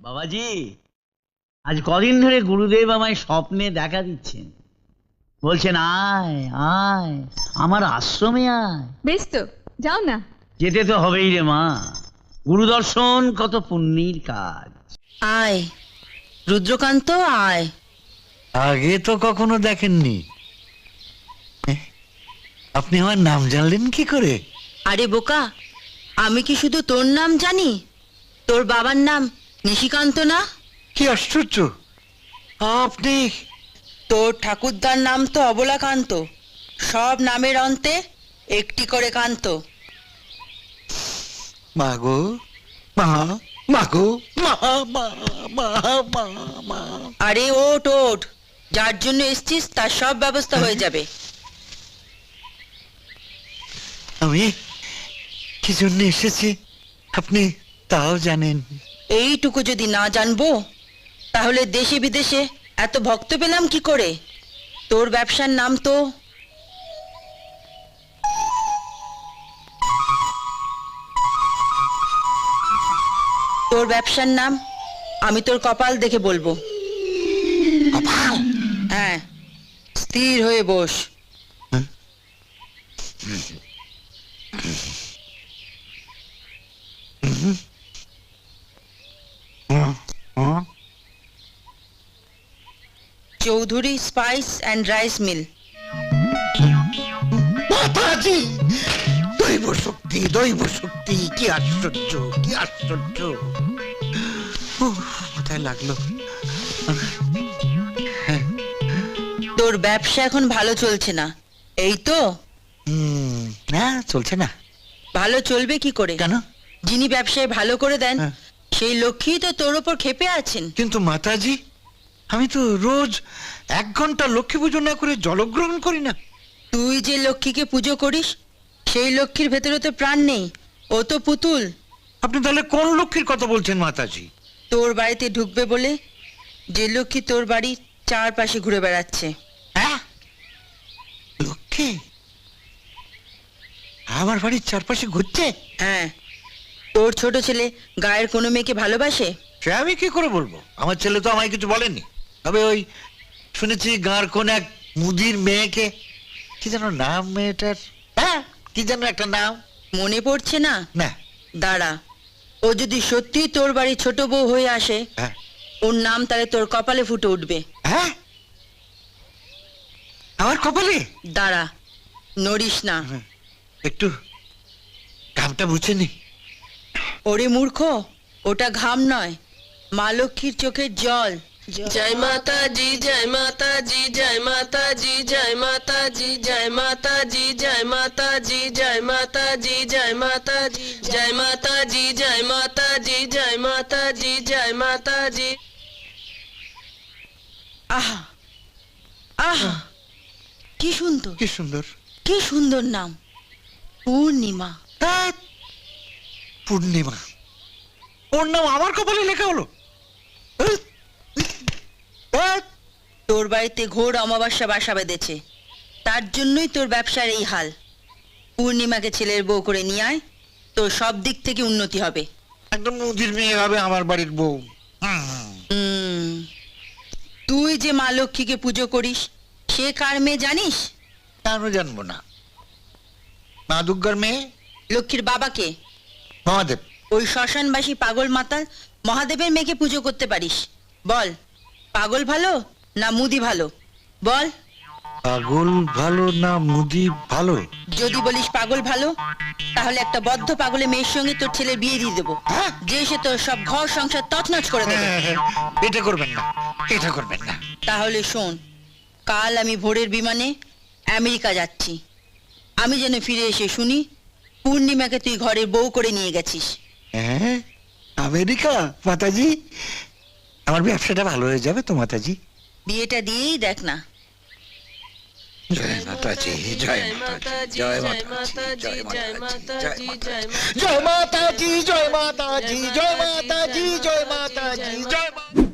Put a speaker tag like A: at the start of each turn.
A: বাবাজি, আজ কদিন ধরে গুরুদেব আমায় স্বপ্নে দেখা দিচ্ছেন, বলছেন আয় আয় আমার আশ্রমে আয়।
B: বেশ তো, যাও না।
A: যেতে তো হবেই রে মা, গুরুদর্শন কত পুণ্যের কাজ।
C: আয় রুদ্রকান্ত, আয়।
D: আগে তো কখনো দেখেননি। আপনি আমার নাম জানলেন কি করে?
C: আরে বোকা, আমি কি শুধু তোর নাম জানি? তোর বাবার নাম নিশিকান্ত না?
D: কি আশ্চর্য! আপনি
C: তোর ঠাকুরদার নাম তো অবলাকান্ত। সব নামের অন্তে একটি করে কান্ত।
D: মাগো মা, মাগো মা, মা মা মা মা।
C: আরে ওঠ ওঠ, যার জন্য এসছিস তার সব ব্যবস্থা হয়ে যাবে।
D: আমি কি জন্য এসেছি আপনি তাও জানেন?
C: এইটুকু যদি না জানবো তাহলে দেশে বিদেশে এত ভক্ত পেলাম কি করে? তোর ব্যবসার নাম তো তোর ব্যবসার নাম আমি তোর কপাল দেখে বলবো। হ্যাঁ, স্থির হয়ে বস। Chowdhury spice and rice mill.
D: মাতাজি, দৈব শক্তি, দৈব শক্তি! কি আশ্চর্য, কি আশ্চর্য! কোথায় লাগলো?
C: তোর ব্যবসা এখন ভালো চলছে না, এই তো?
D: না, চলছে না।
C: ভালো চলবে কি করে?
D: কেন?
C: যিনি ব্যবসায় ভালো করে দেন
D: হ্যাঁ।
C: সেই লক্ষ্মী তো তোর ওপর ক্ষেপে আছেন।
D: কিন্তু মাতাজি, আমি তো রোজ 1 ঘন্টা লক্ষ্মী পুজো না করে জলগ্রহণ করি না।
C: তুই যে লক্ষ্মীকে পুজো করিস সেই লক্ষ্মীর ভেতরে তো প্রাণ নেই, ও তো পুতুল।
D: আপনি তাহলে কোন লক্ষ্মীর কথা বলছেন মাতাজি?
C: তোর বাড়িতে ঢুকবে বলে যে লক্ষ্মী তোর বাড়ির চারপাশে ঘুরে বেড়াচ্ছে।
D: হ্যাঁ, লক্ষ্মী আমার বাড়ির চারপাশে ঘুরছে?
C: হ্যাঁ, তোর ছোট ছেলে গায়ের কোনো মেয়েকে ভালোবাসে?
D: সে আমি কি করে বলবো? আমার ছেলে তো আমায় কিছু বলেনি। তবে ওই শুনেছি গাঁর কোন এক মুদির মেয়েকে, কি যেন নাম মেয়েটার, হ্যাঁ কি যেন একটা নাম,
C: মনে পড়ছে না?
D: না।
C: দাঁড়া, ও যদি সত্যি তোর বাড়ি ছোট বউ হয়ে আসে,
D: হ্যাঁ
C: ওর নাম তাহলে তোর কপালে ফুটে উঠবে।
D: হ্যাঁ, আমার কপালে?
C: দাঁড়া, নড়িস না।
D: একটু ঘামটা বুঝে নি।
C: ওরে মূর্খ, ওটা ঘাম নয়, মা লক্ষ্মীর চোখের জল। জয় মাতা জি, জয় মাতা জি, জয় মাতা জি, জয় মাতা জি, জয় মাতা জি, জয় মাতা জি, জয় মাতা জি, জয় মাতা জি, জয় মাতা জি, জয় মাতা জি, জয় মাতা জি, জয় মাতা জি। আহা আহা, কি সুন্দর,
D: কি সুন্দর!
C: কি সুন্দর নাম, পূর্ণিমা।
D: ধ্যাৎ, পূর্ণিমা! ওর নাম আমার কপালে লেখা হলো? ধ্যাৎ!
C: তোর বাড়িতে ঘোর অমাবস্যা বাসা বেঁধেছে, তার জন্যই তোর ব্যবসার এই হাল। পূর্ণিমাকে ছেলের বউ করে নিয়ে আয়, তোর সব দিক থেকে উন্নতি হবে।
D: একদম মুদির মেয়ে হবে আমার বাড়ির বউ।
C: তুই যে মা লক্ষ্মীকে পুজো করিস সে কার মেয়ে জানিস?
D: কেন জানবো না? মা দুর্গার মেয়ে।
C: লক্ষ্মীর বাবাকে?
D: মহাদেব।
C: ওই শ্মশানবাসী পাগল মাতাল মহাদেবের মেয়েকে পুজো করতে পারিস? বল, পাগল ভালো না মুদি ভালো? বল।
D: পাগল ভালো না মুদি ভালো?
C: যদি বলিস পাগল ভালো, তাহলে একটা বদ্ধ পাগলের মেয়ের সঙ্গে তোর ছেলের বিয়ে দিয়ে দেবো, যে সে তোর সব ঘর সংসার তছনছ করে দেবে।
D: এটা করবেন না, এটা করবেন না।
C: তাহলে শোন, কাল আমি ভোরের বিমানে আমেরিকা যাচ্ছি। আমি যেন ফিরে এসে শুনি পূর্ণিমাকে তুই ঘরের বউ করে নিয়ে গেছিস।
D: হ্যাঁ, আমেরিকা? মাতাজি, আমার ব্যবসাটা ভালো হয়ে যাবে তো মাতাজি।
C: বিয়েটা দিয়েই দেখ না।
D: জয় মাতাজি, জয় মাতাজি, জয় মাতাজি, জয় মাতাজি, জয় মাতাজি, জয় মাতাজি, জয় মাতাজি, জয় মাতাজি, জয় মাতাজি, জয়।